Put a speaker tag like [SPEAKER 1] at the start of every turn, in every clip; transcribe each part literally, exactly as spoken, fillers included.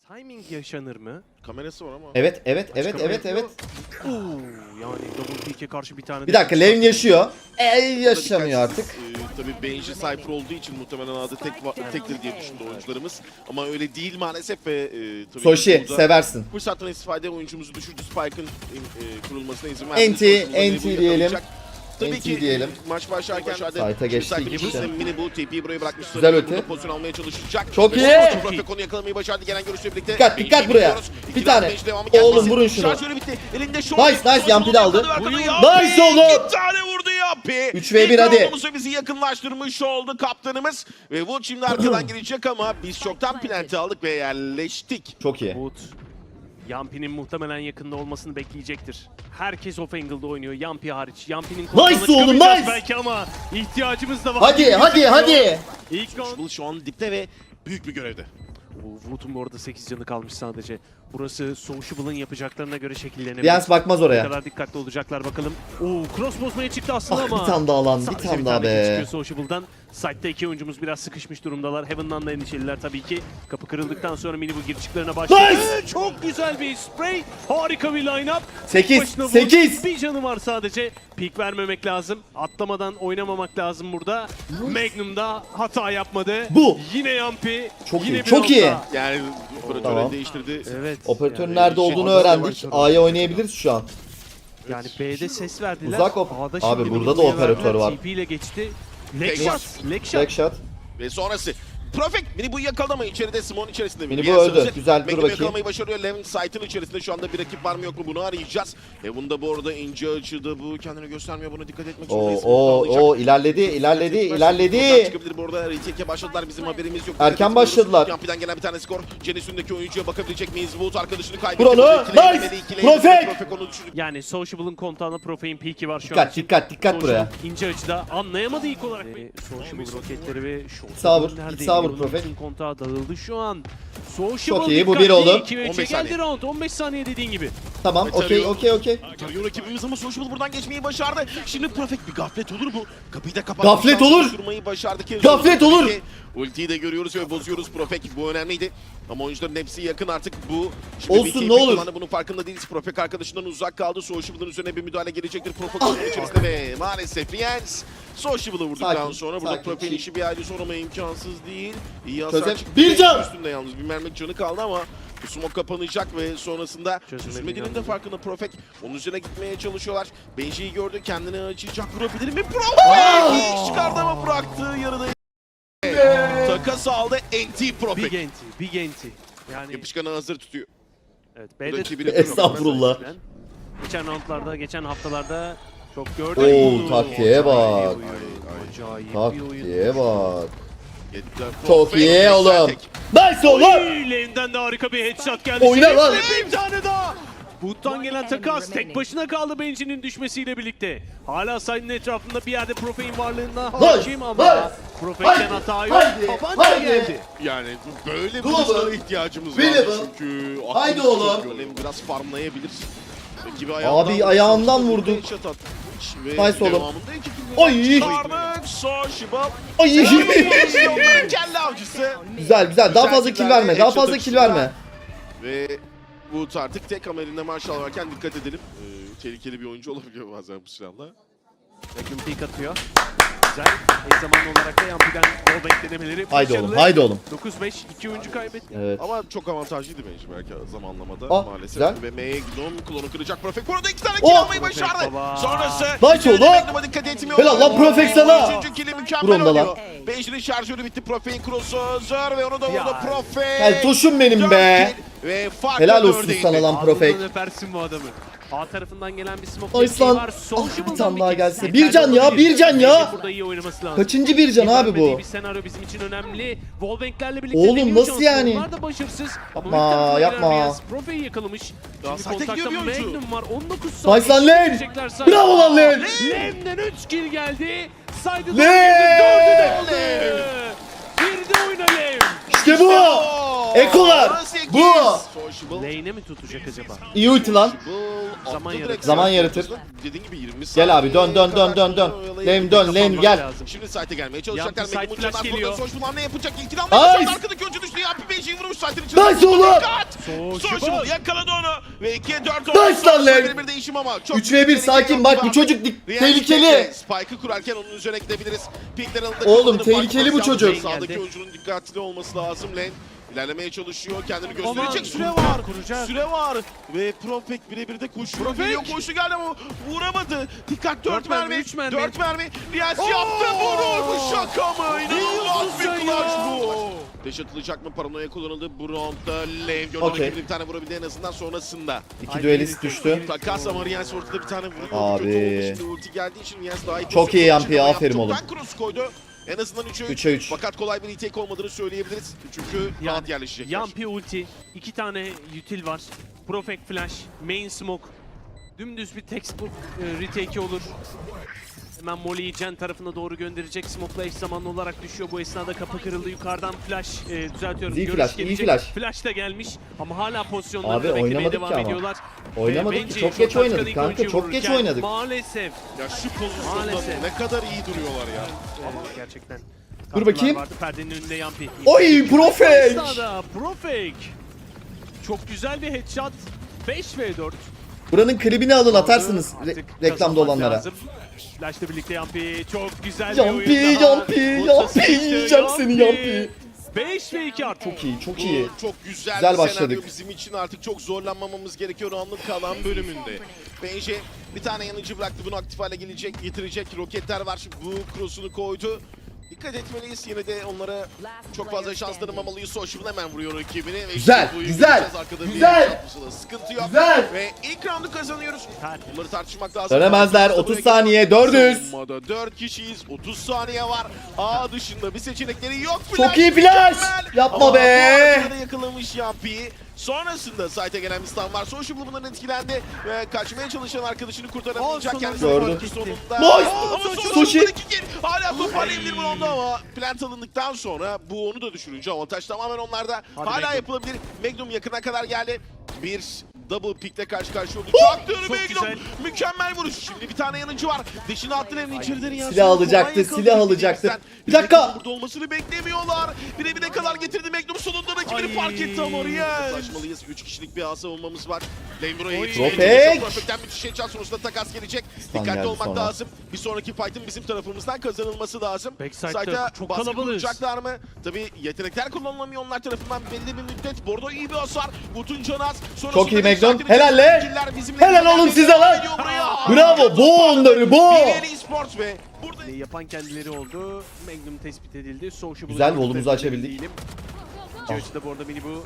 [SPEAKER 1] Timing yaşanır mı?
[SPEAKER 2] Kamerası var ama.
[SPEAKER 3] Evet, evet, evet,
[SPEAKER 1] Başka
[SPEAKER 3] evet,
[SPEAKER 1] bir-
[SPEAKER 3] evet.
[SPEAKER 1] Oo, yani double peak'e karşı bir tane
[SPEAKER 3] Bir
[SPEAKER 1] de-
[SPEAKER 3] dakika, Levin yaşıyor. E yaşamıyor
[SPEAKER 2] Dikkatsiz,
[SPEAKER 3] artık.
[SPEAKER 2] E, tabii Benji Cypher olduğu için muhtemelen adı tek va- tektir diye düşündü oyuncularımız. Ama öyle değil maalesef ve e, tabii
[SPEAKER 3] Soshi,
[SPEAKER 2] burada
[SPEAKER 3] seversin.
[SPEAKER 2] fırsattan istifade oyuncumuzu düşürdü. Spike'ın e, kurulmasına izin verdi.
[SPEAKER 3] Enti,
[SPEAKER 2] Soshi'nin
[SPEAKER 3] enti
[SPEAKER 2] bunu
[SPEAKER 3] diyelim.
[SPEAKER 2] yakalayacak. Tabii
[SPEAKER 3] Enti
[SPEAKER 2] ki
[SPEAKER 3] diyelim.
[SPEAKER 2] maç başlarken
[SPEAKER 3] Sayta geçti iki kişi.
[SPEAKER 2] Mini bu T P'yi buraya bırakmış.
[SPEAKER 3] Güzel
[SPEAKER 2] Burada
[SPEAKER 3] öte.
[SPEAKER 2] pozisyon almaya çalışacak.
[SPEAKER 3] Çok
[SPEAKER 2] Ve
[SPEAKER 3] iyi.
[SPEAKER 2] sonra Profek onu yakalamayı başardı gelen görüşle birlikte.
[SPEAKER 3] Dikkat,
[SPEAKER 2] Benji'yi
[SPEAKER 3] dikkat buraya.
[SPEAKER 2] biliyoruz.
[SPEAKER 3] Bir
[SPEAKER 2] İki
[SPEAKER 3] tane.
[SPEAKER 2] round Benji devamı
[SPEAKER 3] Oğlum,
[SPEAKER 2] gelmesi.
[SPEAKER 3] vurun şunu.
[SPEAKER 2] Şarjörü bitti. Elinde şort.
[SPEAKER 3] Nice, nice.
[SPEAKER 2] Soshi
[SPEAKER 3] Yampi de
[SPEAKER 2] bunu
[SPEAKER 3] aldı.
[SPEAKER 2] yakaladı.
[SPEAKER 3] Nice
[SPEAKER 2] Yampi
[SPEAKER 3] oğlum.
[SPEAKER 2] İki tane vurdu Yampi.
[SPEAKER 3] üç ve bir
[SPEAKER 2] İlk
[SPEAKER 3] hadi.
[SPEAKER 2] roundumuzu bizi yakınlaştırmış oldu kaptanımız. Ve Wood şimdi arkadan gelecek ama biz çoktan planti aldık ve yerleştik.
[SPEAKER 3] Çok iyi.
[SPEAKER 1] Wood, Yampi'nin muhtemelen yakında olmasını bekleyecektir. Herkes off angle'da oynuyor, Yampi hariç. Yampi'nin kontrolüne
[SPEAKER 3] Nice oğlum,
[SPEAKER 1] çıkamayacağız
[SPEAKER 3] nice.
[SPEAKER 1] belki ama ihtiyacımız da var.
[SPEAKER 3] Hadi,
[SPEAKER 1] gibi
[SPEAKER 3] hadi,
[SPEAKER 1] gözüküyor.
[SPEAKER 3] hadi.
[SPEAKER 1] İlk round.
[SPEAKER 2] Soulshibble şu an dipte ve büyük bir görevde.
[SPEAKER 1] Oo, Wood'un bu arada sekiz canı kalmış sadece. Burası Soulshible'ın yapacaklarına göre şekillenebilir.
[SPEAKER 3] Yans bakmaz
[SPEAKER 1] Ne
[SPEAKER 3] oraya.
[SPEAKER 1] kadar dikkatli olacaklar bakalım. Oo, cross bozmaya çıktı aslında
[SPEAKER 3] Ah,
[SPEAKER 1] ama.
[SPEAKER 3] bir tane daha lan, bir
[SPEAKER 1] sadece
[SPEAKER 3] tane daha
[SPEAKER 1] kill
[SPEAKER 3] be.
[SPEAKER 1] çıkıyor Soulshible'dan. Side'da iki oyuncumuz biraz sıkışmış durumdalar. Heaven'dan da endişeliler tabii ki. Kapı kırıldıktan sonra mini bu girişiklerine başladı.
[SPEAKER 3] Nice!
[SPEAKER 1] Çok güzel bir spray. Harika bir line-up.
[SPEAKER 3] sekiz,
[SPEAKER 1] Başına vur.
[SPEAKER 3] sekiz.
[SPEAKER 1] Bir canı var sadece. Peek vermemek lazım. Atlamadan oynamamak lazım burada. Magnum da hata yapmadı.
[SPEAKER 3] Bu.
[SPEAKER 1] Yine Yampi.
[SPEAKER 3] Çok
[SPEAKER 1] Yine
[SPEAKER 3] iyi,
[SPEAKER 1] bir
[SPEAKER 3] çok iyi.
[SPEAKER 1] nokta.
[SPEAKER 2] Yani operatörü
[SPEAKER 3] Tamam.
[SPEAKER 2] değiştirdi.
[SPEAKER 1] Evet.
[SPEAKER 3] Operatörün
[SPEAKER 1] yani-
[SPEAKER 3] nerede olduğunu
[SPEAKER 2] şey-
[SPEAKER 3] öğrendik. A'ya oynayabiliriz şu an.
[SPEAKER 1] Yani B'de ses verdiler.
[SPEAKER 3] Uzak op-
[SPEAKER 1] A'da
[SPEAKER 3] Abi
[SPEAKER 1] şimdi
[SPEAKER 3] burada da
[SPEAKER 1] Mini'ye
[SPEAKER 3] operatör
[SPEAKER 1] verdiler.
[SPEAKER 3] var.
[SPEAKER 1] T P ile geçti.
[SPEAKER 2] Tek
[SPEAKER 1] Leg
[SPEAKER 2] var.
[SPEAKER 1] shot. Leg shot.
[SPEAKER 3] Backshot.
[SPEAKER 2] Ve sonrası. Profek mini bu yakaldı ama içeride Simon içerisinde.
[SPEAKER 3] Mini bu
[SPEAKER 2] Yes,
[SPEAKER 3] öldü.
[SPEAKER 2] hazır.
[SPEAKER 3] Güzel, dur
[SPEAKER 2] Magnum
[SPEAKER 3] bakayım.
[SPEAKER 2] yakalamayı başarıyor. Levin site'ın içerisinde şu anda bir rakip var mı yok mu bunu arayacağız. E bunda bu arada ince açıda bu kendini göstermiyor, buna dikkat etmek
[SPEAKER 3] Oo,
[SPEAKER 2] zorundayız.
[SPEAKER 3] oo,
[SPEAKER 2] Alacak.
[SPEAKER 3] oo, ilerledi, ilerledi,
[SPEAKER 2] Buradan
[SPEAKER 3] ilerledi.
[SPEAKER 2] çıkabilir bu arada. Retake'e başladılar, bizim haberimiz yok.
[SPEAKER 3] Erken
[SPEAKER 2] Dikkat etmiyoruz.
[SPEAKER 3] başladılar.
[SPEAKER 2] Yampi'den gelen bir tane skor. Jennison'daki oyuncuya bakabilecek miyiz? Wood arkadaşını kaybetti.
[SPEAKER 3] Vur onu.
[SPEAKER 2] Burada ikileye
[SPEAKER 3] Nice.
[SPEAKER 2] gitmedi, ikileye
[SPEAKER 3] Profek.
[SPEAKER 2] gitmedi. Profek onu düşürdü.
[SPEAKER 1] Yani Sociable'ın kontağında Profe'in peak'i var şu an.
[SPEAKER 3] Dikkat, dikkat, dikkat buraya.
[SPEAKER 1] Sociable ince açıda anlayamadı ilk olarak. Ve Sociable roketleri ve
[SPEAKER 3] sağ vur,
[SPEAKER 1] Sociable'ın
[SPEAKER 3] ilk sağ vur
[SPEAKER 1] neredeydi?
[SPEAKER 3] Profek.
[SPEAKER 1] Bütün kontağı dağıldı şu an. Sociable
[SPEAKER 3] Çok iyi, bu
[SPEAKER 1] dikkatli.
[SPEAKER 3] bir oğlum.
[SPEAKER 1] iki ve
[SPEAKER 2] on
[SPEAKER 1] üçe
[SPEAKER 2] beş
[SPEAKER 1] geldi
[SPEAKER 2] saniye.
[SPEAKER 1] round. on beş saniye dediğin gibi.
[SPEAKER 3] Tamam,
[SPEAKER 2] Ve
[SPEAKER 3] okey,
[SPEAKER 2] tarıyor.
[SPEAKER 3] okey, okey.
[SPEAKER 2] Tarıyor rakibimiz ama Sociable buradan geçmeyi başardı. Şimdi Profek bir gaflet olur bu. Kapıyı da kapattı.
[SPEAKER 3] Gaflet
[SPEAKER 2] Şansı
[SPEAKER 3] olur.
[SPEAKER 2] düşürmeyi başardı. Ki
[SPEAKER 3] Gaflet olur.
[SPEAKER 2] Ulti- Ultiyi de görüyoruz ve bozuyoruz Profek. Bu önemliydi. Ama oyuncuların hepsi yakın artık bu. Şimdi
[SPEAKER 3] Olsun,
[SPEAKER 2] bir keyif
[SPEAKER 3] ne olur.
[SPEAKER 2] kullandı. Bunun farkında değiliz. Profek arkadaşından uzak kaldı. Sociable'ın üzerine bir müdahale gelecektir. Profek onun içerisinde ve maalesef Riens Sociable'ı vurduktan
[SPEAKER 3] Sakin,
[SPEAKER 2] sonra burada
[SPEAKER 3] sakin,
[SPEAKER 2] Profek'in
[SPEAKER 3] chill.
[SPEAKER 2] işi bir aile sorma imkansız değil. İyi hasar
[SPEAKER 3] Çözem-
[SPEAKER 2] çıktı.
[SPEAKER 3] Bir can!
[SPEAKER 2] Üstünde yalnız bir mermi canı kaldı ama bu smoke kapanacak ve sonrasında
[SPEAKER 1] Çözülmediğini
[SPEAKER 2] çözülmediğinin de
[SPEAKER 1] anladım.
[SPEAKER 2] farkında Profek. Onun üzerine gitmeye çalışıyorlar. Benji'yi gördü, kendini açacak, vurabilir mi?
[SPEAKER 3] Aa!
[SPEAKER 2] Profek! İş çıkardı ama bıraktı yarıda. Takas aldı N T
[SPEAKER 1] Big
[SPEAKER 2] Profek.
[SPEAKER 1] enti. Big enti. Yani
[SPEAKER 2] Yapışkanı hazır tutuyor.
[SPEAKER 1] evet,
[SPEAKER 2] Bu
[SPEAKER 1] B'de
[SPEAKER 2] rakibini
[SPEAKER 3] Estağfurullah.
[SPEAKER 1] Geçen roundlarda, geçen haftalarda çok gördük.
[SPEAKER 3] Oo, taktiğe bak.
[SPEAKER 1] Acayip bir oyun. Acayip bir oyun.
[SPEAKER 3] Taktiğe bak.
[SPEAKER 2] Yettiler.
[SPEAKER 3] Çok
[SPEAKER 2] Profek,
[SPEAKER 3] iyi
[SPEAKER 2] güzel
[SPEAKER 3] oğlum.
[SPEAKER 2] tek.
[SPEAKER 3] Nice oğlum.
[SPEAKER 1] Oy, lane'den de harika bir headshot geldi.
[SPEAKER 3] Oyna
[SPEAKER 1] Şimdi
[SPEAKER 3] lan.
[SPEAKER 1] Bir tane daha. Boot'tan gelen takas tek başına kaldı Benji'nin düşmesiyle birlikte. Hala side'ın etrafında bir yerde Profe'in varlığından hakim ama
[SPEAKER 3] haydi,
[SPEAKER 1] Profe'den hata yok.
[SPEAKER 3] haydi,
[SPEAKER 1] Tabanca
[SPEAKER 3] haydi.
[SPEAKER 1] geldi.
[SPEAKER 2] Yani böyle bir
[SPEAKER 3] Dur oğlum.
[SPEAKER 2] hızlara ihtiyacımız var
[SPEAKER 3] Winnable.
[SPEAKER 2] çünkü
[SPEAKER 3] Haydi
[SPEAKER 2] aklımız
[SPEAKER 3] oğlum.
[SPEAKER 2] çok yoğun. Hem biraz farmlayabilir. Rakibi
[SPEAKER 3] Abi, ayağından vurdu.
[SPEAKER 2] Headshot atmış ve
[SPEAKER 3] Nice oğlum.
[SPEAKER 2] devamında iki kill
[SPEAKER 3] Ay.
[SPEAKER 2] çıkardık. Sociable.
[SPEAKER 3] Ay.
[SPEAKER 2] Onların kelle avcısı.
[SPEAKER 3] Güzel, güzel. Daha
[SPEAKER 2] Güzel
[SPEAKER 3] fazla kill
[SPEAKER 2] killlerle
[SPEAKER 3] verme. Daha
[SPEAKER 2] headshot
[SPEAKER 3] fazla kill
[SPEAKER 2] açısından.
[SPEAKER 3] verme.
[SPEAKER 2] Ve Wood artık tek ama elinde Marshall varken dikkat edelim. Ee, tehlikeli bir oyuncu olabiliyor bazen bu silahla.
[SPEAKER 1] Magnum peek atıyor. Güzel. Eş zamanlı olarak da Yampi'den wallbang denemeleri
[SPEAKER 3] Haydi
[SPEAKER 1] başarılı.
[SPEAKER 3] oğlum, haydi oğlum.
[SPEAKER 1] dokuz beş iki oyuncu kaybetti.
[SPEAKER 3] Evet.
[SPEAKER 2] Ama çok avantajlıydı bence belki zamanlamada
[SPEAKER 3] Ah,
[SPEAKER 2] maalesef.
[SPEAKER 3] güzel.
[SPEAKER 2] Ve M'ye gidiyorum. Klonu kıracak Profek. Bu arada iki tane kill
[SPEAKER 3] Oh!
[SPEAKER 2] almayı başardı.
[SPEAKER 1] Profek baba.
[SPEAKER 2] Sonrası.
[SPEAKER 3] Nice
[SPEAKER 2] içeride
[SPEAKER 3] oğlum.
[SPEAKER 2] Magnum'a dikkat etmiyor.
[SPEAKER 3] Helal lan Profek sana.
[SPEAKER 2] Üçüncü kill'i
[SPEAKER 3] Vur
[SPEAKER 2] mükemmel
[SPEAKER 3] onu da lan.
[SPEAKER 2] oluyor. Benji'nin şarjörü bitti. Profek'in cross'u hazır ve onu da vurdu
[SPEAKER 1] Ya.
[SPEAKER 2] Profek.
[SPEAKER 3] Gel tuşum benim
[SPEAKER 2] Dört
[SPEAKER 3] be.
[SPEAKER 2] kill Ve farklı
[SPEAKER 3] Helal olsun
[SPEAKER 2] dörde indi.
[SPEAKER 3] sana lan Profek.
[SPEAKER 1] Ağzından öpersin bu adamı. A tarafından gelen bir smoke
[SPEAKER 3] Ay
[SPEAKER 1] desteği
[SPEAKER 3] lan.
[SPEAKER 1] var. Sociable'dan
[SPEAKER 3] Ah, bir tane daha
[SPEAKER 1] kill.
[SPEAKER 3] gelse.
[SPEAKER 1] Yeterli
[SPEAKER 3] Bir can ya,
[SPEAKER 1] olabilir.
[SPEAKER 3] bir can ya.
[SPEAKER 1] Benji'nin burada iyi oynaması lazım.
[SPEAKER 3] Kaçıncı bir can abi
[SPEAKER 1] Vermediği
[SPEAKER 3] bu?
[SPEAKER 1] Bir senaryo bizim için önemli. Wallbang'lerle birlikte
[SPEAKER 3] Oğlum,
[SPEAKER 1] deniyor
[SPEAKER 3] nasıl
[SPEAKER 1] şanslı.
[SPEAKER 3] yani?
[SPEAKER 1] Onlar da başarısız. Ama
[SPEAKER 3] Yapma,
[SPEAKER 1] ilk tarafına
[SPEAKER 3] yapma.
[SPEAKER 1] gelen Reyes Profe'yi yakalamış.
[SPEAKER 2] Daha
[SPEAKER 1] Şimdi
[SPEAKER 2] sahte
[SPEAKER 1] kontakta
[SPEAKER 2] gidiyor bir oyuncu.
[SPEAKER 1] Magnum var. on dokuz
[SPEAKER 3] Nice lan
[SPEAKER 1] saniye
[SPEAKER 3] Len.
[SPEAKER 1] geçecekler sayı.
[SPEAKER 3] Bravo lan Len.
[SPEAKER 1] Len'den üç kill geldi. Saydı
[SPEAKER 3] Len.
[SPEAKER 1] dördü de aldı. Bir de oyna Len.
[SPEAKER 3] İşte bu. Ekolar. Bu.
[SPEAKER 1] Lane'e mi tutacak acaba?
[SPEAKER 3] İyi ulti lan.
[SPEAKER 1] Zaman yaratır.
[SPEAKER 3] Zaman yaratır.
[SPEAKER 2] Dediğin gibi yirmi
[SPEAKER 3] Gel abi, dön, dön, dön, dön, dön. Lane dön, lane gel.
[SPEAKER 1] Lazım.
[SPEAKER 2] Şimdi site'e gelmeye çalışacaklar.
[SPEAKER 1] Yampi site
[SPEAKER 2] Magnum
[SPEAKER 1] flash
[SPEAKER 2] uçadan
[SPEAKER 1] geliyor.
[SPEAKER 2] burada Sociable ne yapacak? İlkini almaya
[SPEAKER 3] Nice.
[SPEAKER 2] çalışacak. Arkadaki oyuncu düştü. Yampi Benji'yi vurmuş site'in içine.
[SPEAKER 3] Nice oğlum.
[SPEAKER 2] Dikkat! Sociable yakaladı onu ve ikiye dört
[SPEAKER 3] Nice lan Lev.
[SPEAKER 2] Bir değişim ama çok
[SPEAKER 3] üç ve bir sakin bak bu çocuk dik- tehlikeli.
[SPEAKER 2] Spike'ı kurarken onun üzerine gidebiliriz. Pinkler alında
[SPEAKER 3] Oğlum,
[SPEAKER 2] kullanıp
[SPEAKER 3] tehlikeli bu
[SPEAKER 2] bakmak
[SPEAKER 3] çocuk.
[SPEAKER 2] lazım. Sağdaki
[SPEAKER 1] Geldi.
[SPEAKER 2] oyuncunun dikkatli olması lazım. Lane ilerlemeye çalışıyor. Kendini
[SPEAKER 1] Aman,
[SPEAKER 2] gösterecek. Süre
[SPEAKER 1] kuracak,
[SPEAKER 2] var.
[SPEAKER 1] kuracak.
[SPEAKER 2] Süre var. Ve Profek birebir de koşuyor.
[SPEAKER 1] Profek.
[SPEAKER 2] Geliyor koşu geldi ama vuramadı. Dikkat dört
[SPEAKER 1] Dört mermi,
[SPEAKER 2] mermi.
[SPEAKER 1] üç mermi.
[SPEAKER 2] dört mermi. Riyaz
[SPEAKER 1] Oo!
[SPEAKER 2] yaptı bunu. Bu şaka mı? İnanılmaz
[SPEAKER 1] diyorsun
[SPEAKER 2] bir
[SPEAKER 1] sen
[SPEAKER 2] clutch
[SPEAKER 1] ya?
[SPEAKER 2] bu. Deş atılacak mı? Paranoya kullanıldı. Bu roundda Lane gördü.
[SPEAKER 3] Okey.
[SPEAKER 2] Rakibini bir tane vurabildi en azından sonrasında.
[SPEAKER 3] İki
[SPEAKER 1] Ay,
[SPEAKER 3] düelist
[SPEAKER 1] geri-
[SPEAKER 3] düştü.
[SPEAKER 1] geri-
[SPEAKER 2] Takas ama Riyaz ortada bir tane vuruyor.
[SPEAKER 3] Abi.
[SPEAKER 2] Kötü oldu. Şimdi ulti geldiği için Riyaz daha iyi.
[SPEAKER 3] Çok iyi
[SPEAKER 2] pozisyon
[SPEAKER 3] Yampi,
[SPEAKER 2] için ama
[SPEAKER 3] aferin
[SPEAKER 2] yaptı.
[SPEAKER 3] oğlum.
[SPEAKER 2] Çoktan cross koydu. En azından üçe üç.
[SPEAKER 3] üçe üç.
[SPEAKER 2] Fakat kolay bir retake olmadığını söyleyebiliriz. Çünkü rahat yerleşecekler.
[SPEAKER 1] Yampi ulti, iki tane util var. Profect flash, main smoke. Dümdüz bir textbook e, retake'i olur. Hemen Molly'yi Jen tarafına doğru gönderecek. Smoke'la eş zamanlı olarak düşüyor. Bu esnada kapı kırıldı. Yukarıdan flash e, düzeltiyorum.
[SPEAKER 3] İyi
[SPEAKER 1] Görüş
[SPEAKER 3] flash, iyi
[SPEAKER 1] gelecek.
[SPEAKER 3] flash.
[SPEAKER 1] Flash da gelmiş ama hala pozisyonlarını
[SPEAKER 3] Abi,
[SPEAKER 1] beklemeye
[SPEAKER 3] oynamadık
[SPEAKER 1] devam
[SPEAKER 3] ki ama.
[SPEAKER 1] ediyorlar.
[SPEAKER 3] Oynamadık
[SPEAKER 1] Ve
[SPEAKER 3] ki,
[SPEAKER 1] bence
[SPEAKER 3] çok geç
[SPEAKER 1] Shotgun
[SPEAKER 3] oynadık
[SPEAKER 1] ilk
[SPEAKER 3] kanka,
[SPEAKER 1] oyuncuyu
[SPEAKER 3] çok geç
[SPEAKER 1] vururken
[SPEAKER 3] oynadık.
[SPEAKER 1] Maalesef.
[SPEAKER 2] Ya şu pozisyonda
[SPEAKER 1] Maalesef.
[SPEAKER 2] ne kadar iyi duruyorlar ya.
[SPEAKER 1] Evet, gerçekten.
[SPEAKER 3] Dur bakayım.
[SPEAKER 1] Vardı. Perdenin önünde Yampi.
[SPEAKER 3] Oy Profek.
[SPEAKER 1] Sağda Profek. Çok güzel bir headshot. beş ve dört.
[SPEAKER 3] Buranın klibini alın atarsınız
[SPEAKER 1] Artık
[SPEAKER 3] re- reklamda
[SPEAKER 1] kazanmak
[SPEAKER 3] olanlara.
[SPEAKER 1] lazım. Flash'la birlikte Yampi çok güzel bir
[SPEAKER 3] Yampi,
[SPEAKER 1] oyun daha.
[SPEAKER 3] Yampi,
[SPEAKER 1] Ultra
[SPEAKER 3] Yampi,
[SPEAKER 1] sıkıştı,
[SPEAKER 3] yiyeceğim seni Yampi.
[SPEAKER 1] beş ve iki artık.
[SPEAKER 3] Çok iyi, çok
[SPEAKER 2] Bu
[SPEAKER 3] iyi.
[SPEAKER 2] çok güzel,
[SPEAKER 3] Güzel
[SPEAKER 2] bir
[SPEAKER 3] başladık.
[SPEAKER 2] senaryo bizim için artık çok zorlanmamamız gerekiyor round'un kalan bölümünde. Bence bir tane yanıcı bıraktı, bunu aktif hale gelecek, getirecek roketler var. Bu cross'unu koydu. Dikkat etmeliyiz, yine de onlara çok fazla şans tanımamalıyız. Sociable hemen vuruyor rakibini. Ve
[SPEAKER 3] Güzel,
[SPEAKER 2] işte bu
[SPEAKER 3] güzel,
[SPEAKER 2] göreceğiz. Arkada bir
[SPEAKER 3] güzel.
[SPEAKER 2] shot pusula, sıkıntı yok.
[SPEAKER 3] Güzel.
[SPEAKER 2] Ve ilk round'u kazanıyoruz.
[SPEAKER 1] Tertemiz.
[SPEAKER 2] Bunları tartışmak lazım.
[SPEAKER 3] Dönemezler, otuz saniye, dördüz.
[SPEAKER 2] Savunmada dört kişiyiz, otuz saniye var. A dışında bir seçenekleri yok.
[SPEAKER 3] Çok iyi flash.
[SPEAKER 2] mükemmel.
[SPEAKER 3] Yapma
[SPEAKER 2] Ama
[SPEAKER 3] be.
[SPEAKER 2] bu arada yakalamış Yampi'yi. Sonrasında site'e gelen bir stun var. Sociable bundan etkilendi ve kaçmaya çalışan arkadaşını kurtaramayacak.
[SPEAKER 1] Aa,
[SPEAKER 2] Kendisi
[SPEAKER 3] sonunda.
[SPEAKER 2] farkı sonunda.
[SPEAKER 3] Nice.
[SPEAKER 2] Ama
[SPEAKER 3] Sushi.
[SPEAKER 2] Sociable'dan iki kill. Hala toparlayabilir bu anda ama plant alındıktan sonra bu onu da düşürünce avantaj tamamen onlarda.
[SPEAKER 1] Hadi
[SPEAKER 2] Hala
[SPEAKER 1] Magnum.
[SPEAKER 2] yapılabilir. Magnum yakına kadar geldi. Bir double pick'le karşı karşıya oldu. Çaktı
[SPEAKER 1] Çok
[SPEAKER 2] Magnum.
[SPEAKER 1] güzel.
[SPEAKER 2] Mükemmel vuruş. Şimdi bir tane yanıcı var. Deşini attı evin içeriden ya.
[SPEAKER 3] Silah alacaktı, silah alacaktı. Bir dakika.
[SPEAKER 2] Burada olmasını beklemiyorlar. Bire bire kadar getirdi Magnum, sonunda rakibini
[SPEAKER 1] Ay.
[SPEAKER 2] fark etti ama Riyaz. Ulaşmalıyız. üç kişilik bir ağ savunmamız var. Lane buraya
[SPEAKER 1] Oy.
[SPEAKER 2] yetişmeye
[SPEAKER 3] Profek.
[SPEAKER 2] çalışıyor. Profek'ten müthiş headshot sonrasında takas gelecek.
[SPEAKER 3] Stun
[SPEAKER 2] Dikkatli
[SPEAKER 3] geldi
[SPEAKER 2] olmak
[SPEAKER 3] sonra.
[SPEAKER 2] lazım. Bir sonraki fight'ın bizim tarafımızdan kazanılması lazım.
[SPEAKER 1] Backside'da
[SPEAKER 2] Site'a
[SPEAKER 1] çok
[SPEAKER 2] baskı
[SPEAKER 1] kalabalığız.
[SPEAKER 2] kuracaklar mı? Tabii yetenekler kullanılamıyor onlar tarafından belli bir müddet. Bordo iyi bir hasar. Butun Canaz.
[SPEAKER 3] Çok iyi Magnum. Helal lan. Helal oğlum size lan. Bravo, bu onları, bu.
[SPEAKER 2] Bileli Esports ve burada
[SPEAKER 1] E, Yapan kendileri oldu. Magnum tespit edildi. Sociable
[SPEAKER 3] Güzel, volumuzu açabildik.
[SPEAKER 1] Değilim. İkinci açıda bu arada mini bu.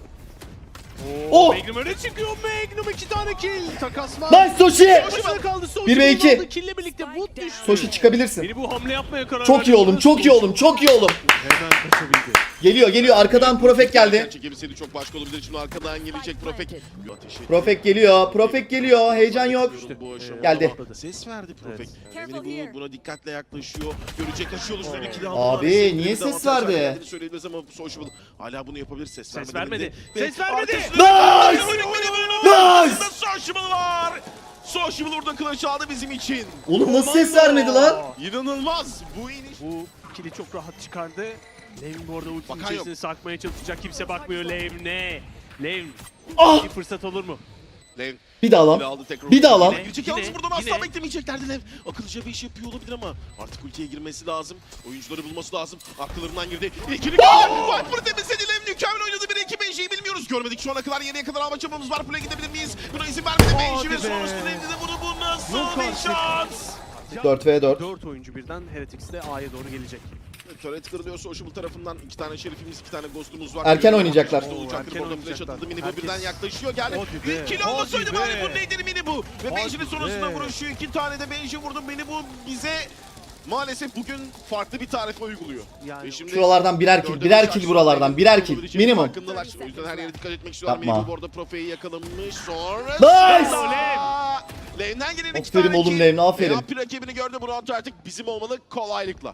[SPEAKER 3] Oh!
[SPEAKER 1] Magnum öne çıkıyor. Magnum iki tane kill. Takasma.
[SPEAKER 3] Nice Soshi.
[SPEAKER 1] Başına kaldı.
[SPEAKER 3] Bir ve iki.
[SPEAKER 1] aldı. Kill'le birlikte Wood düştü.
[SPEAKER 3] Soshi çıkabilirsin.
[SPEAKER 1] Mini bu hamle yapmaya karar
[SPEAKER 3] Çok
[SPEAKER 1] verdi.
[SPEAKER 3] iyi oğlum, çok iyi oğlum, çok iyi oğlum.
[SPEAKER 1] Hemen kaçabildi.
[SPEAKER 3] Geliyor, geliyor. Arkadan Profek geldi.
[SPEAKER 2] Çekebilseydi çok başka olabilir. Şimdi arkadan gelecek Profek. Ateş etti.
[SPEAKER 3] Profek geliyor, Profek geliyor. Heyecan yok.
[SPEAKER 2] Bu aşamada
[SPEAKER 3] Geldi.
[SPEAKER 2] Ses verdi Profek.
[SPEAKER 1] Evet.
[SPEAKER 2] Emini bu buna dikkatle yaklaşıyor. Görecek aşıyor üstüne iki
[SPEAKER 3] Abi, niye ses verdi?
[SPEAKER 2] Söyleyebiliriz ama Sociable hala bunu yapabilir. Ses,
[SPEAKER 1] Ses
[SPEAKER 2] vermedi.
[SPEAKER 1] vermedi.
[SPEAKER 2] Ve
[SPEAKER 1] Ses vermedi.
[SPEAKER 2] arkasında-
[SPEAKER 3] Nice!
[SPEAKER 2] Nice!
[SPEAKER 3] Nice!
[SPEAKER 2] Sociable var. Sociable orada kılıç aldı bizim için.
[SPEAKER 3] Oğlum nasıl ses vermedi lan?
[SPEAKER 2] İnanılmaz. Bu iniş.
[SPEAKER 1] Bu kili çok rahat çıkardı. Levin bu arada ultinin
[SPEAKER 2] Bakan
[SPEAKER 1] içerisine
[SPEAKER 2] yok.
[SPEAKER 1] sarkmaya çalışacak. Kimse bakmıyor Levne. Levin.
[SPEAKER 3] Ah!
[SPEAKER 1] Bir fırsat olur mu?
[SPEAKER 2] Lev.
[SPEAKER 3] Bir daha
[SPEAKER 2] Bile
[SPEAKER 3] lan.
[SPEAKER 2] aldı tekrar.
[SPEAKER 3] Bir daha lan.
[SPEAKER 1] Yine.
[SPEAKER 2] Girecek yalnız buradan asla
[SPEAKER 1] yine.
[SPEAKER 2] beklemeyeceklerdi Lev. Akıllıca bir iş yapıyor olabilir ama artık ultiye girmesi lazım. Oyuncuları bulması lazım. Akıllarından girdi. İkili gol. Viper temizledi Lev. Mükemmel oynadı. Bir iki Benji'yi bilmiyoruz. Görmedik şu ana kadar. Yeniye kadar alma çabamız var. Play gidebilir miyiz? Buna izin vermedi Benji ve
[SPEAKER 1] Hadi be.
[SPEAKER 2] sonrasında Lev'de de bunu bu nasıl
[SPEAKER 1] Yok
[SPEAKER 2] bir
[SPEAKER 1] artık.
[SPEAKER 2] şans?
[SPEAKER 3] dört ve dört.
[SPEAKER 1] dört oyuncu birden Heretics de A'ya doğru gelecek.
[SPEAKER 2] Turret kırılıyor Sociable tarafından. iki tane şerifimiz, iki tane ghost'umuz var.
[SPEAKER 3] Erken oynayacaklar.
[SPEAKER 2] İşte olacaktır.
[SPEAKER 1] Erken
[SPEAKER 2] Orada flash
[SPEAKER 1] oynayacaklar.
[SPEAKER 2] atıldı. Mini bu
[SPEAKER 1] Herkes-
[SPEAKER 2] birden yaklaşıyor. Geldi.
[SPEAKER 1] Hadi
[SPEAKER 2] Bir
[SPEAKER 1] be,
[SPEAKER 2] kill
[SPEAKER 1] hadi
[SPEAKER 2] olmasaydı
[SPEAKER 1] be.
[SPEAKER 2] bari bu neydi Mini bu? Ve
[SPEAKER 1] Hadi
[SPEAKER 2] Benji'nin sonrasında
[SPEAKER 1] be.
[SPEAKER 2] vuruşuyor. İki tane de Benji vurdu. Mini bu bize maalesef bugün farklı bir tarife uyguluyor.
[SPEAKER 1] Yani
[SPEAKER 2] Ve şimdi
[SPEAKER 3] Şuralardan birer kill,
[SPEAKER 2] dördüncü
[SPEAKER 3] birer
[SPEAKER 2] şarj
[SPEAKER 3] kill buralardan, birer kill.
[SPEAKER 2] olabileceğinin
[SPEAKER 3] Minimum.
[SPEAKER 2] Farkındalar. O yüzden her yere dikkat etmek istiyorlar.
[SPEAKER 3] Yapma.
[SPEAKER 2] Mini bu orada Profe'yi yakalamış. Sonra
[SPEAKER 3] Nice!
[SPEAKER 2] Lane'den gelen iki
[SPEAKER 3] Aferin
[SPEAKER 2] tane
[SPEAKER 3] oğlum
[SPEAKER 2] kill.
[SPEAKER 3] Lane, aferin.
[SPEAKER 2] Ve rakibini gördü. Bu round artık bizim olmalı kolaylıkla.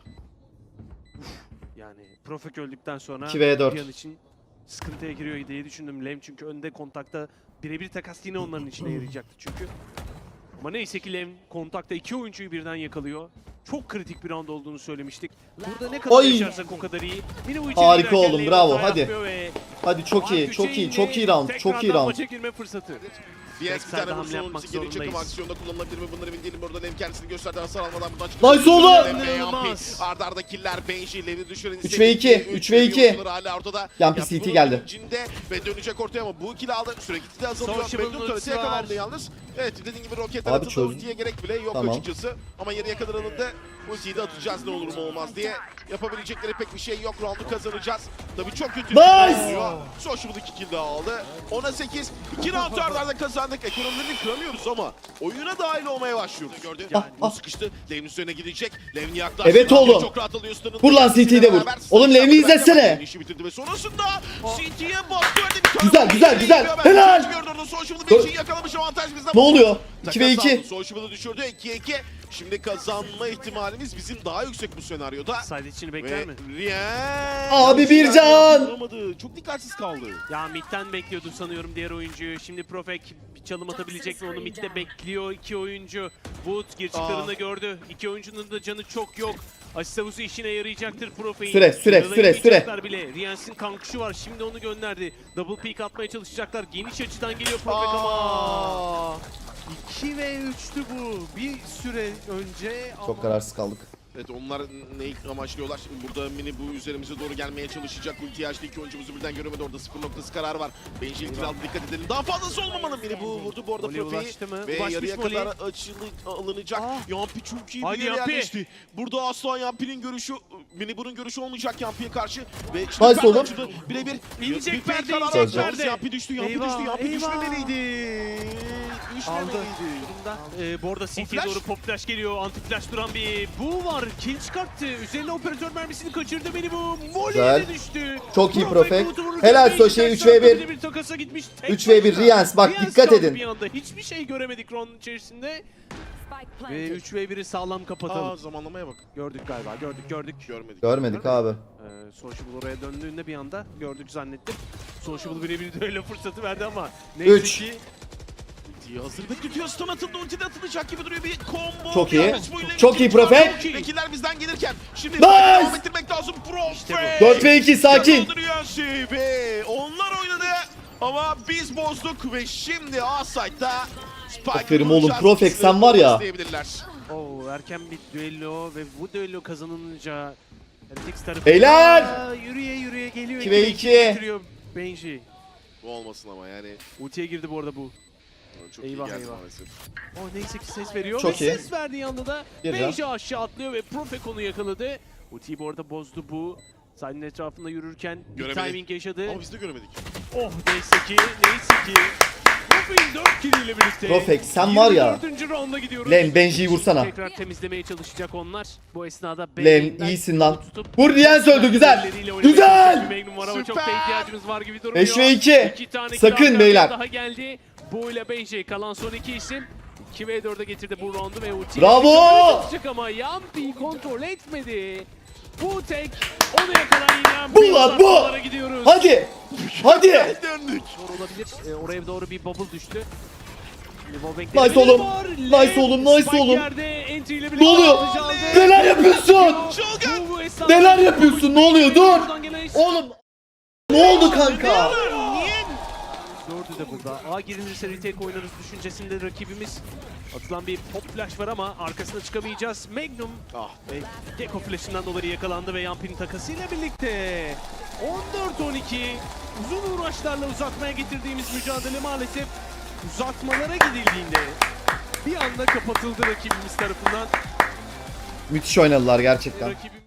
[SPEAKER 1] Yani Profek öldükten sonra
[SPEAKER 3] iki ve dört.
[SPEAKER 1] bir an için sıkıntıya giriyor diye düşündüm. Lem çünkü önde kontakta birebir takas yine onların içine yarayacaktı çünkü. Ama neyse ki Lem kontakta iki oyuncuyu birden yakalıyor. Çok kritik bir round olduğunu söylemiştik. Burada ne kadar
[SPEAKER 3] Oy!
[SPEAKER 1] yaşarsak o kadar iyi. Mini bu içeri
[SPEAKER 3] Harika
[SPEAKER 1] girerken
[SPEAKER 3] oğlum,
[SPEAKER 1] Lem
[SPEAKER 3] bravo,
[SPEAKER 1] hata
[SPEAKER 3] hadi.
[SPEAKER 1] yapmıyor ve
[SPEAKER 3] Hadi çok iyi, çok iyi, çok iyi round, çok iyi
[SPEAKER 1] Tekrardan
[SPEAKER 3] round.
[SPEAKER 1] maça girme fırsatı.
[SPEAKER 2] Diaz bir
[SPEAKER 1] Backside'da
[SPEAKER 2] tane
[SPEAKER 1] hamle
[SPEAKER 2] vursun
[SPEAKER 1] yapmak
[SPEAKER 2] ultisi gelecek ama
[SPEAKER 1] zorundayız.
[SPEAKER 2] aksiyonda kullanılabilir mi bunları emin değilim. Oradan hem kendisini gösterdi hasar almadan buradan çıktı.
[SPEAKER 3] Nice oğlum!
[SPEAKER 1] İnanılmaz.
[SPEAKER 2] Arda arda killer Benji, Lev'i düşüren
[SPEAKER 3] üç ve iki, üç ve iki.
[SPEAKER 2] Hala ortada.
[SPEAKER 3] Yampi
[SPEAKER 2] Ya
[SPEAKER 3] C T
[SPEAKER 2] bunun
[SPEAKER 3] geldi.
[SPEAKER 2] içinde ve dönecek ortaya ama bu ikili aldı. Süre gitti de azalıyor.
[SPEAKER 1] Sociable'ın
[SPEAKER 2] Magnum
[SPEAKER 1] ultisi
[SPEAKER 2] töresi yakalandı
[SPEAKER 1] var.
[SPEAKER 2] yalnız. Evet dediğin gibi roketler
[SPEAKER 3] Abi
[SPEAKER 2] atıldı.
[SPEAKER 3] çözdüm.
[SPEAKER 2] Ultiye gerek bile yok
[SPEAKER 3] Tamam.
[SPEAKER 2] açıkçası. Ama yarıya kadar alındı. Ultiyi de atacağız ne olur mu olmaz diye. Yapabilecekleri pek bir şey yok. Round'u kazanacağız. Tabii çok kötü.
[SPEAKER 3] Nice!
[SPEAKER 2] Sociable iki kill daha aldı. ona sekiz. iki round arda arda kazandık. Ekonomilerini kıramıyoruz ama oyuna dahil olmaya başlıyoruz. Gördün.
[SPEAKER 3] Ah,
[SPEAKER 2] Bu
[SPEAKER 3] ah.
[SPEAKER 2] sıkıştı. Lev'in üzerine gidecek. Lev'in yaklaştı.
[SPEAKER 3] Evet oğlum.
[SPEAKER 2] Çok rahat alıyor Stun'ın.
[SPEAKER 3] Vur lan C T'yi de vur.
[SPEAKER 2] Beraber
[SPEAKER 3] Oğlum Lev'i izlesene.
[SPEAKER 2] İşi bitirdi ve sonrasında C T'ye bastı. Öyle bir tane
[SPEAKER 3] Güzel,
[SPEAKER 2] vurdu.
[SPEAKER 3] güzel,
[SPEAKER 2] İçeri
[SPEAKER 3] güzel.
[SPEAKER 2] giriyor ben.
[SPEAKER 3] Helal.
[SPEAKER 2] Gördü orada Sociable'ı
[SPEAKER 3] Gö-
[SPEAKER 2] bir şey yakalamış avantaj bizden.
[SPEAKER 3] Ne oluyor? iki ve
[SPEAKER 2] Takas
[SPEAKER 3] iki.
[SPEAKER 2] aldı. Sociable'ı düşürdü. ikiye iki. Şimdi kazanma ihtimalimiz bizim daha yüksek bu senaryoda.
[SPEAKER 1] Side içini bekler
[SPEAKER 2] Ve
[SPEAKER 1] mi?
[SPEAKER 2] Riyan
[SPEAKER 3] Abi bir can.
[SPEAKER 2] Vuramadı. Çok dikkatsiz kaldı.
[SPEAKER 1] Ya midden bekliyordu sanıyorum diğer oyuncuyu. Şimdi Profek bir çalım atabilecek mi onu midde bekliyor iki oyuncu. Wood girişiklerini
[SPEAKER 2] Aa.
[SPEAKER 1] gördü. İki oyuncunun da canı çok yok. Asist havuzu işine yarayacaktır Profek'in.
[SPEAKER 3] Süre, süre,
[SPEAKER 1] Yaralayı
[SPEAKER 3] süre, süre.
[SPEAKER 1] yiyecekler bile. Riyans'ın kankuşu var. Şimdi onu gönderdi. Double peek atmaya çalışacaklar. Geniş açıdan geliyor Profek ama.
[SPEAKER 2] Aa.
[SPEAKER 1] iki ve üçtü bu. Bir süre önce ama...
[SPEAKER 3] Çok kararsız kaldık.
[SPEAKER 2] Evet onlar neyi amaçlıyorlar? Burada Mini bu üzerimize doğru gelmeye çalışacak. Ulti açtı iki oyuncumuzu birden göremedi. Orada sıfır noktası kararı var. Benji ilk aldı dikkat edelim. Daha fazlası olmamalı. Mini bu vurdu bu arada
[SPEAKER 1] Molly
[SPEAKER 2] Profe'yi.
[SPEAKER 1] ulaştı mı?
[SPEAKER 2] Ve
[SPEAKER 1] Ulaşmış
[SPEAKER 2] yarıya
[SPEAKER 1] Molly.
[SPEAKER 2] kadar açılı alınacak.
[SPEAKER 1] Aa.
[SPEAKER 2] Yampi çok iyi
[SPEAKER 1] Haydi
[SPEAKER 2] bir yere
[SPEAKER 1] Yampi.
[SPEAKER 2] yerleşti. Burada asla Yampi'nin görüşü, Mini bunun görüşü olmayacak Yampi'ye karşı. Ve
[SPEAKER 3] Nice
[SPEAKER 2] Perde
[SPEAKER 3] oğlum.
[SPEAKER 2] açıldı. Birebir.
[SPEAKER 1] İnecek
[SPEAKER 2] Bir fake
[SPEAKER 1] perde,
[SPEAKER 2] karar
[SPEAKER 1] inecek
[SPEAKER 2] aldı.
[SPEAKER 1] perde.
[SPEAKER 2] Yampi düştü, Yampi
[SPEAKER 1] Eyvah,
[SPEAKER 2] düştü, Yampi
[SPEAKER 1] eyvah.
[SPEAKER 2] düşmemeliydi.
[SPEAKER 1] Aldı.
[SPEAKER 2] Düşmemeliydi.
[SPEAKER 1] Durumda. Ee, bu arada
[SPEAKER 2] O
[SPEAKER 1] C T'ye
[SPEAKER 2] flash.
[SPEAKER 1] doğru pop flash geliyor. Anti flash duran bir bu var. Kill çıkarttı. Üzerine operatör mermisini kaçırdı beni bu. Molly'ye
[SPEAKER 3] Güzel.
[SPEAKER 1] de düştü.
[SPEAKER 3] Çok iyi Profek.
[SPEAKER 1] Buğut'u vururken
[SPEAKER 3] Helal
[SPEAKER 1] Benji
[SPEAKER 3] Soşe,
[SPEAKER 1] ters
[SPEAKER 3] üç ve bir.
[SPEAKER 1] tarafta bir takasa gitmiş. Tek
[SPEAKER 3] üç ve bir
[SPEAKER 1] başına.
[SPEAKER 3] Riyans. Bak,
[SPEAKER 1] Riyans
[SPEAKER 3] dikkat
[SPEAKER 1] kaldı
[SPEAKER 3] edin.
[SPEAKER 1] Bir anda. Hiçbir şey göremedik round'un içerisinde. Ve üç ve bir'i sağlam kapatalım.
[SPEAKER 2] Aa zamanlamaya bak.
[SPEAKER 1] Gördük galiba. Gördük gördük.
[SPEAKER 2] Görmedik.
[SPEAKER 3] Görmedik abi.
[SPEAKER 1] Ee, Sociable oraya döndüğünde bir anda gördük zannettim. Sociable birebir de öyle fırsatı verdi ama neyse
[SPEAKER 3] Üç.
[SPEAKER 2] ki ultiyi hazır bekletiyor. Stun atıldı. Ulti de atılacak gibi duruyor. Bir combo.
[SPEAKER 3] Çok
[SPEAKER 2] bir
[SPEAKER 3] iyi.
[SPEAKER 2] amaç bu ile
[SPEAKER 3] Çok
[SPEAKER 2] bitirdi.
[SPEAKER 3] iyi Profek.
[SPEAKER 2] Çok iyi. Vekiller bizden gelirken. Şimdi
[SPEAKER 3] Nice.
[SPEAKER 2] devam ettirmek lazım. Profek.
[SPEAKER 1] İşte bu.
[SPEAKER 3] dört ve iki sakin.
[SPEAKER 2] Kazandırıyor şey ve onlar oynadı. Ama biz bozduk ve şimdi A-Side'da Spike'ı
[SPEAKER 3] Aferin oğlum,
[SPEAKER 2] vuracağız.
[SPEAKER 3] Profek, sen var ya.
[SPEAKER 2] İsteyebilirler.
[SPEAKER 1] Oo, erken bir düello ve bu düello kazanılınca R T X tarafı
[SPEAKER 3] Beyler!
[SPEAKER 1] Aa, yürüye yürüye geliyor.
[SPEAKER 3] iki ve
[SPEAKER 1] iki
[SPEAKER 3] iki.
[SPEAKER 1] getiriyor Benji.
[SPEAKER 2] Bu olmasın ama yani.
[SPEAKER 1] Ultiye girdi bu arada bu.
[SPEAKER 2] Çok
[SPEAKER 1] Eyvah,
[SPEAKER 2] iyi geldi
[SPEAKER 1] eyvah.
[SPEAKER 2] maalesef.
[SPEAKER 1] O neyse ki ses veriyor
[SPEAKER 3] Çok
[SPEAKER 1] ve
[SPEAKER 3] iyi.
[SPEAKER 1] ses verdiği anda da
[SPEAKER 3] Bir
[SPEAKER 1] Benji aşağı atlıyor ve Profek onu yakaladı. Ultiyi bu arada bozdu bu. Side'ın etrafında yürürken bir
[SPEAKER 2] Göremedik.
[SPEAKER 1] timing yaşadı.
[SPEAKER 2] Ama biz de göremedik.
[SPEAKER 1] Oh neyse ki, neyse ki. Profek'in dört kill ile birlikte.
[SPEAKER 3] Profek, sen var ya.
[SPEAKER 1] yirmi dördüncü rounda gidiyoruz.
[SPEAKER 3] Len, Benji'yi vursana.
[SPEAKER 1] Tekrar temizlemeye çalışacak onlar. Bu esnada
[SPEAKER 3] Len,
[SPEAKER 1] Benji'den
[SPEAKER 3] iyisin lan.
[SPEAKER 1] tutup-
[SPEAKER 3] Vur, Riyans öldü, güzel.
[SPEAKER 1] Elleriyle oynamaya
[SPEAKER 3] Güzel.
[SPEAKER 1] çalışan bir Magnum var ama çok da
[SPEAKER 2] Süper.
[SPEAKER 1] ihtiyacımız var gibi durmuyor.
[SPEAKER 3] beş ve iki.
[SPEAKER 1] İki tane kill
[SPEAKER 3] Sakın
[SPEAKER 1] arka
[SPEAKER 3] beyler.
[SPEAKER 1] arkaya daha geldi. Bu ile Benji kalan son iki isim. iki ve dörde getirdi bu roundu ve ulti.
[SPEAKER 3] Bravo.
[SPEAKER 1] Atacak ama Yampi kontrol etmedi. Bu tek onu yakalayan yine.
[SPEAKER 3] Bu lan, bu.
[SPEAKER 1] uzatmalara gidiyoruz.
[SPEAKER 3] Hadi. Hadi.
[SPEAKER 2] Döndük.
[SPEAKER 1] Zor olabilir. Ee, oraya doğru bir bubble düştü. Şimdi Wallbang
[SPEAKER 3] Nice
[SPEAKER 1] denemeli
[SPEAKER 3] oğlum.
[SPEAKER 1] var.
[SPEAKER 3] Nice
[SPEAKER 1] Len,
[SPEAKER 3] oğlum, nice
[SPEAKER 1] Spike
[SPEAKER 3] oğlum.
[SPEAKER 1] yerde, entry ile
[SPEAKER 3] Ne
[SPEAKER 1] birlikte
[SPEAKER 3] oluyor?
[SPEAKER 1] atıcı aldı.
[SPEAKER 3] Neler yapıyorsun?
[SPEAKER 2] Çılgın.
[SPEAKER 1] Bu- bu esnada-
[SPEAKER 3] Neler yapıyorsun? Ne oluyor? Dur.
[SPEAKER 1] Buradan gelen-
[SPEAKER 3] Oğlum. Ne oldu kanka?
[SPEAKER 1] Niye? Dördü de burada. A girilirse retake oynarız düşüncesinde rakibimiz. Atılan bir pop flash var ama arkasına çıkamayacağız. Magnum
[SPEAKER 2] Ah.
[SPEAKER 1] ve Gecko flash'ından dolayı yakalandı ve Yampi'nin takasıyla birlikte on dört on iki uzun uğraşlarla uzatmaya getirdiğimiz mücadele maalesef uzatmalara gidildiğinde bir anda kapatıldı rakibimiz tarafından.
[SPEAKER 3] Müthiş oynadılar gerçekten.
[SPEAKER 1] Rakibimiz